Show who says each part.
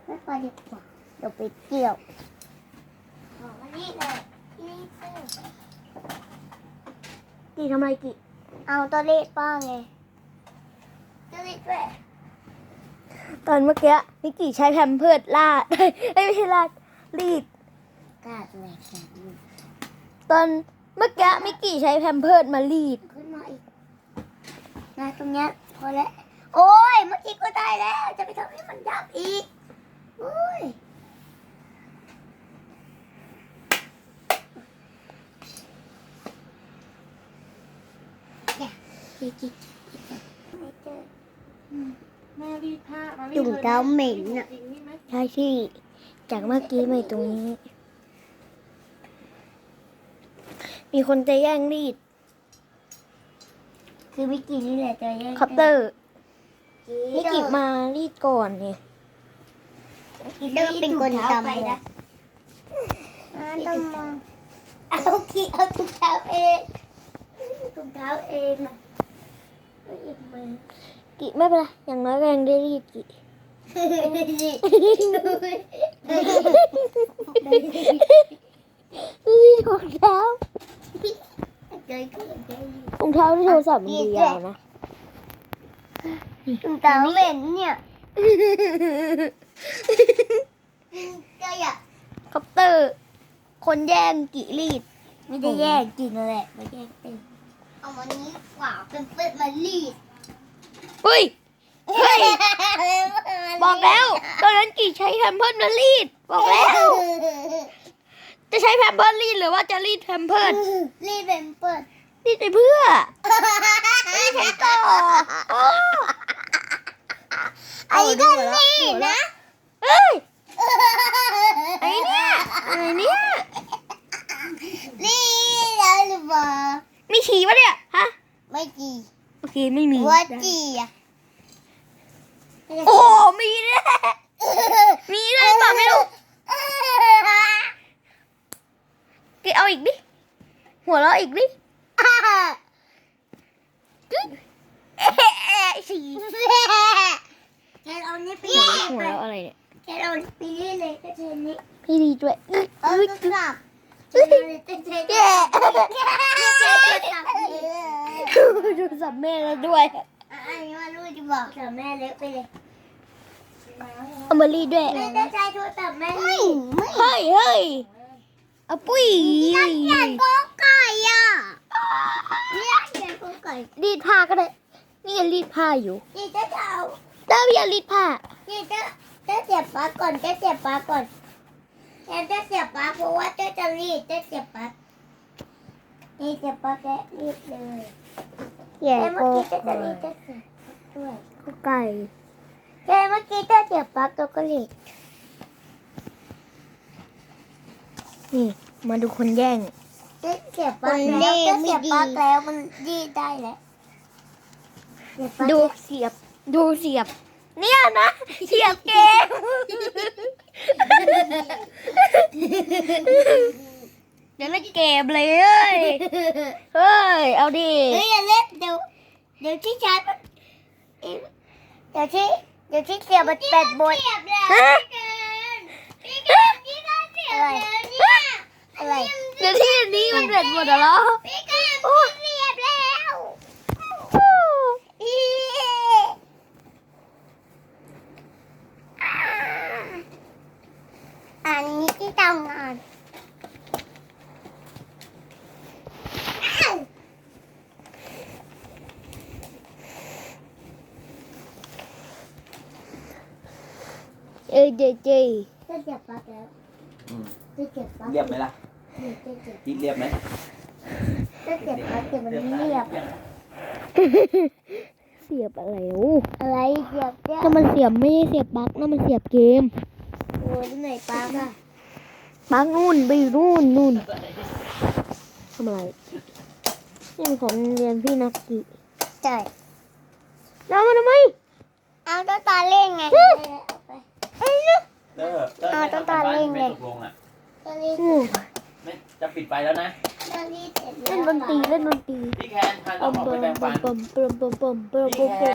Speaker 1: ไม่พอดีกว่าเดี๋ยวไปเกี่ยวบอกว่านี่เลยนี่
Speaker 2: กี่ทำอะไรกี่
Speaker 1: เอาตัวเลขป้าไงตัวเลขด้วย
Speaker 2: ตอนเมื่อกี้มิกกี้ใช้แพมเพิร์สลาด ไม่ใช่ลาดรีด
Speaker 1: กาดแหลกแขน
Speaker 2: ตอนเมื่อกี้มิกกี้ใช้แพมเพิร์สมารีด
Speaker 1: ขึ้นมาอีกนะตรงเนี้ยพอแล้วโอ้ยเมื่อกี้ก็ได้แล้วจะไปทำให้มันยับอีกโอ้ยเนี่ยกิ๊กไม่เจอ
Speaker 3: แม่รีดผ้ามารีด
Speaker 1: จุ่มเท้าเหม็น
Speaker 3: น่ะ
Speaker 1: อ่ะ
Speaker 3: จริงนี่ไหม
Speaker 2: ใช่ที่จากเมื่อกี้มาตรงนี้ มีคนจะแย่งรีด
Speaker 1: คือวิกกี้นี่แหละจะแย่ง
Speaker 2: คัพเตอร์มิ
Speaker 1: วิ
Speaker 2: กกี้มารีดก่อนนี่
Speaker 1: เตอร์เป็นคนทำเลยนะต้องมองเอาขี้เอาถุงเท้าเองถุงเท้าเองนะไม่หยิบมือ
Speaker 2: กิไม่เป็นไรอย่างน้อยก็ยังได้รีดกิรีดของเท้ารองเท้าที่โทรศัพท์มันดียาวนะ
Speaker 1: ถุงเท้าเหม็นเนี่ยก็อยาก
Speaker 2: คัพเตอร์ คนแย่งกิรีด
Speaker 1: ไม่ได้แย่งกินแหละไม่แย่งเป็นเอาวันนี้กว่าเป็นเปิดมารีด
Speaker 2: เฮ้ย เฮ้ย บอกแล้ว ตอนนั้นกิใช้แพมเพิร์สมารีด บอกแล้ว จะใช้แพมเพิร์สรีดหรือว่าจะรีดแพมเพิร์ส
Speaker 1: รีดเป็นเปิด
Speaker 2: รีดไปเพื่อ ไม่ใช้ต่อโอ้
Speaker 1: ไอ้ก็รีดนะ
Speaker 2: เฮ้ย ไอ้เนี่ยไอ้เนี่ย
Speaker 1: รีดแล้วหรือเปล่า
Speaker 2: มีฉี่ปะเนี่ย ฮะ
Speaker 1: ไม่จี
Speaker 2: โอเค ไม่มี
Speaker 1: ว่าจีอ่ะ
Speaker 2: โอ้โหมีด้วยมีด้วยเปล่าไม่รู้เกเอาอีกดิ หัวเราะอีกดิฉี่
Speaker 1: แค่เอานี้ไป
Speaker 2: หัวเราะอะไรเนี่ย
Speaker 1: แค่เอาไปนี่เลยก็เทนี้
Speaker 2: พี่ดีด้วย
Speaker 1: เอากระสับเทเลยเทเลยเท
Speaker 2: ดูสับแม่แล้วด้วย
Speaker 1: อันนี้มาลูกจะบอกแต่แม่เล็กไปเลย
Speaker 2: เอามารีดด้วย
Speaker 1: ไม่ได้ใจโทรศัพท์แม่ไม่
Speaker 2: เฮ้ยเฮ้ยเอาปุ้ย
Speaker 1: อยากโกไก่อ่ะเนี่ยอยากโกไก่
Speaker 2: รีดผ้าก็ได้ นี่ยังรีดผ้าอยู่
Speaker 1: นี่จะเอา
Speaker 2: เต้าอย่ารีดผ้า
Speaker 1: นี่จะเสียบปลั๊กก่อนจะเสียบปลั๊กก่อนแอนจะเสียบปลั๊กเพราะว่าจะรีดจะเสียบปลั๊กนี่เสียบปลั๊กแล้วรีดเลย
Speaker 2: อย่า
Speaker 1: แต่
Speaker 2: โก
Speaker 1: เมื่อกี้จะรีดจะเสียบด้วย
Speaker 2: ไก่
Speaker 1: แต่เมื่อกี้จะเสียบปลั๊กแล้วก็รีด
Speaker 2: นี่ มาดูคนแย่ง
Speaker 1: จะเสียบปลั๊กแล้วจะเสียบปลั๊กแล้วมันรีดได้แล้ว
Speaker 2: ดูเสียบ ดูเสียบ เนี่ยนะ เสียบเกมเดี๋ยวเล่นเกมเลยเฮ้ย เฮ้ย เอาดิ
Speaker 1: เฮ้ยอย่าเล่นเดี๋ยวที่ชาร์จมันเดี๋ยวที่เสียบมันเป็ดบน
Speaker 2: ฮะ
Speaker 1: อะไรอะไร
Speaker 2: เดี๋ยวที่อันนี้มันเด็ดหมดแล้วเหรอ
Speaker 1: พี่กันเสียบแล้วอันนี้ที่ทำงาน
Speaker 2: เอ้ยเจเจ
Speaker 1: จะเสียบปลั๊กแล้ว
Speaker 4: อืม
Speaker 1: จะเสียบปลั๊ก
Speaker 4: เรียบไหมล่ะ
Speaker 1: จะเสียบ
Speaker 4: ที่เรียบไหม
Speaker 1: จะเสียบปลั๊กแต่มันไม่เรียบ
Speaker 2: เสียบอะไรโอ้
Speaker 1: อะไรเสียบเนี่ย
Speaker 2: ถ้ามันเสียบไม่ใช่เสียบปลั๊กนะมันเสียบเกม
Speaker 1: โอ้ยที่ไหนปลั๊กอะ
Speaker 2: ปลั๊กนู่นไปอยู่นู่นทำอะไรนี่มันของเรียนพี่นักกี
Speaker 1: ใช่
Speaker 2: แล้วมันทำไม
Speaker 1: เอาตัวตาเล่นไง
Speaker 4: เตอร์
Speaker 1: เอาต้องตาเร่งเลย
Speaker 4: ไม่ตกลงอ่ะ
Speaker 1: ตัวนี้
Speaker 2: โอ้
Speaker 4: ไม่จะปิดไฟแล้วนะ
Speaker 1: ตัวนี้เสร็จ
Speaker 2: เล่นดนตรีเล่นดนตรี
Speaker 4: พี่แคนพาน้องออกไปแบ่งปัน
Speaker 2: ปมปมปมปมปมปม